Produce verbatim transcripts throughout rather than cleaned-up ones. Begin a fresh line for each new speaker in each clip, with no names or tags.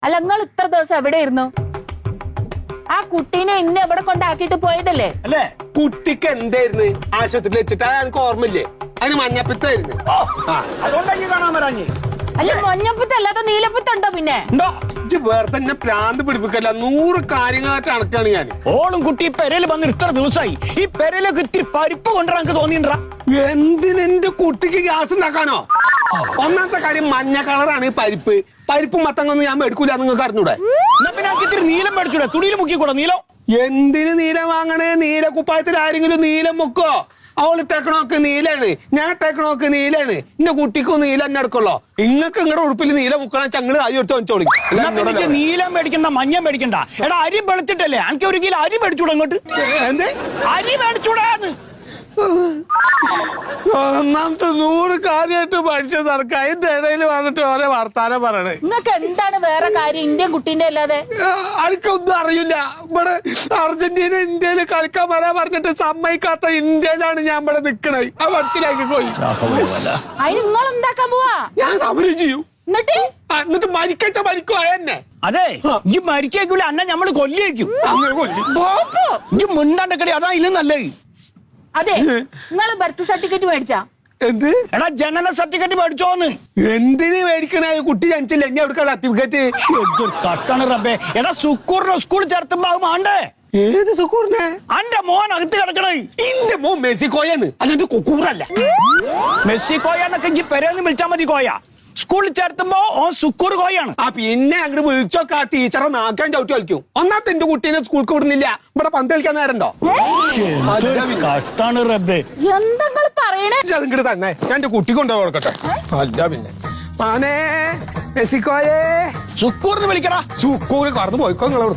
അല്ല നിങ്ങൾ ഇത്ര ദിവസം എവിടെയായിരുന്നു? ആ കുട്ടീനെ ഇന്ന് എവിടെ കൊണ്ടാക്കിട്ട് പോയതല്ലേ?
അല്ലേ? കുട്ടിക്ക് എന്തായിരുന്നു ആശുപത്രിയിൽ വെച്ചിട്ട് എനിക്ക് ഓർമ്മയില്ലേ? അതിന് മഞ്ഞപ്പിത്തായിരുന്നു. അതുകൊണ്ടായി കാണാൻ വരാഞ്ഞ്.
അല്ല മഞ്ഞപ്പിത്ത അല്ലാതെ നീലപ്പിത്തുണ്ടോ? പിന്നെ
വേറെ തന്നെ പ്രാന്ത് പിടിപ്പിക്കല്ല. നൂറ് കാര്യങ്ങളായിട്ട് അണക്കാണ് ഞാൻ.
ഓളും കുട്ടി പെരയിൽ വന്ന് ഇത്ര ദിവസമായി. ഈ പെരയിലൊക്കെ ഇത്തിരി പരിപ്പ് കൊണ്ടുവരാൻ എനിക്ക് തോന്നിണ്ടാ.
എന്തിനെന്റെ കുട്ടിക്ക് ഗ്യാസ് ഉണ്ടാക്കാനോ? ഒന്നാമത്തെ കാര്യം മഞ്ഞ കളറാണ് ഈ പരിപ്പ്. പരിപ്പും മത്തങ്ങൊന്നും ഞാൻ മേടിക്കൂല, നിങ്ങൾക്ക് അറിഞ്ഞൂടെ?
എന്നാ പിന്നെ ഇത്തിരി നീലം മേടിച്ചൂടെ? തുണിയിൽ മുക്കിക്കൂടെ നീലം?
എന്തിന് നീലം വാങ്ങണേ? നീല കുപ്പായത്തിൽ ആരെങ്കിലും നീലം മുക്കോ? അവള് ഇട്ടേക്കണോക്ക് നീലാണ്, ഞാൻ ഇട്ടേക്കണോക്ക് നീലാണ്. എന്റെ കുട്ടിക്കും നീല തന്നെ എടുക്കുള്ളോ. ഇങ്ങക്ക് നിങ്ങളുടെ ഉടുപ്പിൽ നീല മുക്കണ ചങ്ങള് അരി എടുത്ത് വെച്ചോളി.
നീലം മേടിക്കണ്ട, മഞ്ഞ മേടിക്കണ്ട. എടാ അരി വെളുത്തിട്ടല്ലേ? എനിക്ക് ഒരു കിലോ അരി മേടിച്ചൂടെ? അങ്ങോട്ട്
എന്തേ
അരി മേടിച്ചൂടാന്ന്?
ഒന്നാമത്തെ നൂറ് കാര്യമായിട്ട് പഠിച്ച നടക്ക അതിന്റെ ഇടയിൽ വന്നിട്ട് ഓരോ വർത്താനം പറയണേ.
നിങ്ങൾക്ക് എന്താണ് വേറെ കാര്യം ഇന്ത്യൻ കുട്ടീന്റെ അല്ലാതെ?
എനിക്കൊന്നും അറിയില്ല. ഇവിടെ അർജന്റീന ഇന്ത്യയിൽ കളിക്കാൻ വരാൻ പറഞ്ഞിട്ട് സമ്മതിക്കാത്ത ഇന്ത്യയിലാണ് ഞാൻ ഇവിടെ നിക്കണേ. ആ മനസ്സിലാക്കി പോയി.
അതിന് നിങ്ങൾ എന്താക്കാൻ പോവാ?
ഞാൻ സമരം ചെയ്യും.
എന്നിട്ട്
എന്നിട്ട് മരിക്കച്ച മരിക്കോ എന്നെ?
അതെ, ഈ മരിക്കൂല അന്ന ഞമ്മള് കൊല്ലിയേക്കും.
അങ്ങനെ കൊല്ലി
ഈ മുണ്ടാണ്ടക്കടി അതാ ഇല്ല നല്ലത്.
അതെ, നിങ്ങൾ ബർത്ത് സർട്ടിഫിക്കറ്റ് മേടിച്ചാ?
എന്ത്?
എടാ ജനന സർട്ടിഫിക്കറ്റ് മേടിച്ചോന്ന്.
എന്തിന് മേടിക്കണേ? കുട്ടി ജനിച്ചില്ല, എന്നെ എടുക്കാൻ സർട്ടിഫിക്കറ്റ്?
കട്ടാണ് റബ്ബേ. എടാ സുക്കൂറിനെ സ്കൂളിൽ ചേർത്തുമ്പോ മാണ്ടേ?
ഏത് സുക്കൂറിനെ?
അന്റെ മോൻ അകത്ത് കിടക്കണേ.
ഇന്റെ മോൻ മെസ്സിക്കോയാണ്, അല്ലാണ്ട് കുക്കൂറല്ല.
മെസ്സിക്കോയാന്നൊക്കെ ഈ പെരേന്ന് വിളിച്ചാ മതി. കോയ സ്കൂളിൽ ചേർത്തുമ്പോ ഓ സുക്കൂർ കോയാണ്.
ആ പിന്നെ അങ്ങോട്ട് വിളിച്ചോക്കെ ആ ടീച്ചറെ നാക്കാൻ ചവിട്ടി കളിക്കും. ഒന്നാമത്തെ എന്റെ കുട്ടീനെ സ്കൂൾക്ക് വിടുന്നില്ല, ഇവിടെ പന്ത് കളിക്കാൻ നേരണ്ടോ?
കഷ്ടാണ് റബ്ബേ.
എന്താ പറയണേ?
അതിങ്ങോട്ട് തന്നെ ഞാൻ എന്റെ കുട്ടി കൊണ്ടുപോയി കൊടുക്കട്ടെ. അല്ല പിന്നെ മാനേ മെസ്സിക്കോയേ
സുക്കൂർന്ന് വിളിക്കടാ.
സുക്കൂറ് കടന്നു പോയിക്കോ. നിങ്ങളോട്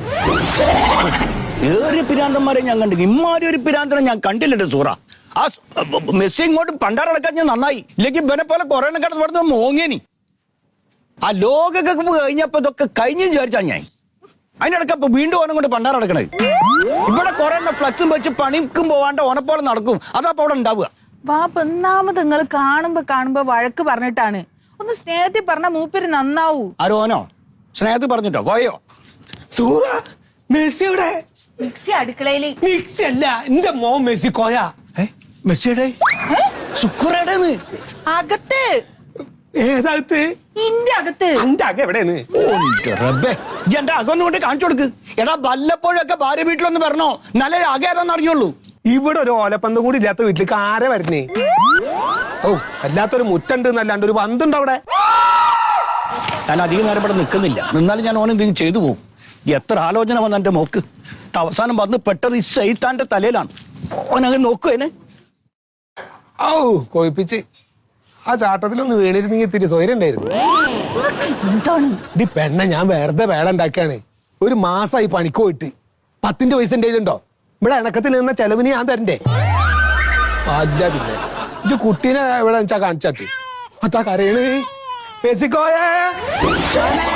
ഏറെ പിരാന്തന്മാരെ ഞാൻ കണ്ടു. ഇമ്മാരി ഒരു പിരാന്തനെ ഞാൻ കണ്ടില്ലല്ലോ സൂറ. ആ മെസ്സി ഇങ്ങോട്ട് പണ്ടാറടക്കാൻ ഞാൻ നന്നായി. ഇല്ലെങ്കിൽ ഇവനെ പോലെ കൊറേ കിടന്ന് പറഞ്ഞ മോങ്ങേനി. ആ ലോകകപ്പ് കഴിഞ്ഞപ്പോ ഇതൊക്കെ കഴിഞ്ഞു വിചാരിച്ചാ ഞാൻ. അതിനിടയ്ക്ക് അപ്പൊ വീണ്ടും ഓനം കൊണ്ട് പണ്ടാറടക്കണേ. ഇവിടെ കൊറേ ഫ്ലക്സും വെച്ച് പണിക്കും പോവാണ്ട് ഓനെപ്പോലെ നടക്കും. അതപ്പോ അവിടെ ഉണ്ടാവുക.
വാപ്പ ഒന്നാമത് നിങ്ങൾ കാണുമ്പോ കാണുമ്പോ വഴക്ക് പറഞ്ഞിട്ടാണ്. ഒന്ന് സ്നേഹത്തിൽ പറഞ്ഞ മൂപ്പര് നന്നാവൂ.
ആരോനോ സ്നേഹത്തിൽ പറഞ്ഞിട്ടോ കോയോ?
സൂറ മെസ്സിയുടെ
മിക്സി അടുക്കളയില്.
മിക്സി അല്ല, എന്റെ മോൻ മെസ്സിക്കോയാ.
മെസ്സിയുടെ സുക്കൂറേടേന്ന്
അകത്ത്.
ഏതകത്ത്?
ഇന്റെ അകത്ത്.
എന്റെ അക എവിടെയാണ്?
എന്റെ അകൊന്നും കൊണ്ട് കാണിച്ചു കൊടുക്ക്. എടാ വല്ലപ്പോഴൊക്കെ ഭാര്യ വീട്ടിലൊന്ന് പറഞ്ഞോ, നല്ല അക ഏതാന്ന് അറിയുള്ളൂ.
ഇവിടെ ഒരു ഓലപ്പന്ത് കൂടി ഇല്ലാത്ത വീട്ടിലേക്ക് ആരെ വരുന്നേ? ഓ അല്ലാത്തൊരു മുറ്റുണ്ട് എന്നല്ലാണ്ട് ഒരു പന്തുണ്ട് അവിടെ.
ഞാൻ അധികം നേരം ഇവിടെ നിൽക്കുന്നില്ല. നിന്നാലും ഞാൻ ഓൻ എന്തെങ്കിലും ചെയ്തു പോകും. എത്ര ആലോചന വന്ന എന്റെ മോക്ക്. അവസാനം വന്ന് പെട്ടത് ഈ സൈത്താന്റെ തലയിലാണ്. ഓനങ്ങ് നോക്കുവേനെ.
ഓ കൊഴിപ്പിച്ച് ആ ചാട്ടത്തിലൊന്ന് വീണിരുന്നെങ്കിൽ ഇത്തിരി സ്വൈര്യം ഉണ്ടായിരുന്നു. ഈ പെണ്ണ ഞാൻ വെറുതെ വേട ഉണ്ടാക്കിയാണ്. ഒരു മാസമായി പണിക്ക് പോയിട്ട് പത്തിന്റെ പൈസ എന്റെ കയ്യിലുണ്ടോ? ഇവിടെ ഇണക്കത്തിൽ നിന്ന ചെലവിന് ഞാൻ തരണ്ടേ? അല്ല പിന്നെ ഇത് കുട്ടീനെ എവിടെ വെച്ചാ കാണിച്ചാട്ട് അതാ കരയണ്. മെസ്സിക്കോയേ